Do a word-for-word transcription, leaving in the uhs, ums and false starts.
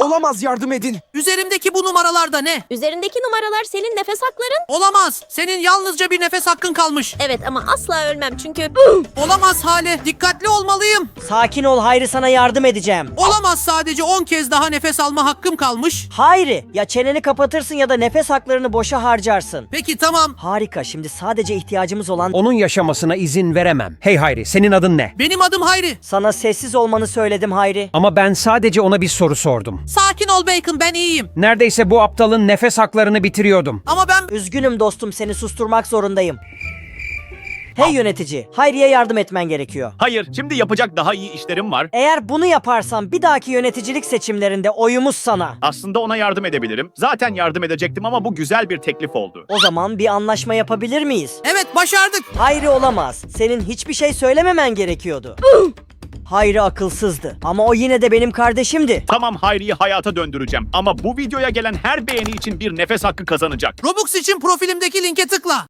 Olamaz, yardım edin. Üzerimdeki bu numaralarda ne? Üzerindeki numaralar senin nefes hakların. Olamaz. Senin yalnızca bir nefes hakkın kalmış. Evet ama asla ölmem çünkü... Olamaz Hale. Dikkatli olmalıyım. Sakin ol Hayri, sana yardım edeceğim. Olamaz, sadece on kez daha nefes alma hakkım kalmış. Hayri, ya çeneni kapatırsın ya da nefes haklarını boşa harcarsın. Peki tamam. Harika, şimdi sadece ihtiyacımız olan... Onun yaşamasına izin veremem. Hey Hayri, senin adın ne? Benim adım Hayri. Sana sessiz olmanı söyledim Hayri. Ama ben sadece ona bir soru sordum. Sakin ol Bacon, ben iyiyim. Neredeyse bu aptalın nefes haklarını bitiriyordum. Ama ben... Üzgünüm dostum, seni susturmak zorundayım. Hey yönetici, Hayri'ye yardım etmen gerekiyor. Hayır, şimdi yapacak daha iyi işlerim var. Eğer bunu yaparsan bir dahaki yöneticilik seçimlerinde oyumuz sana. Aslında ona yardım edebilirim. Zaten yardım edecektim ama bu güzel bir teklif oldu. O zaman bir anlaşma yapabilir miyiz? Evet, başardık. Hayri olamaz. Senin hiçbir şey söylememen gerekiyordu. Hayri akılsızdı ama o yine de benim kardeşimdi. Tamam, Hayri'yi hayata döndüreceğim ama bu videoya gelen her beğeni için bir nefes hakkı kazanacak. Robux için profilimdeki linke tıkla.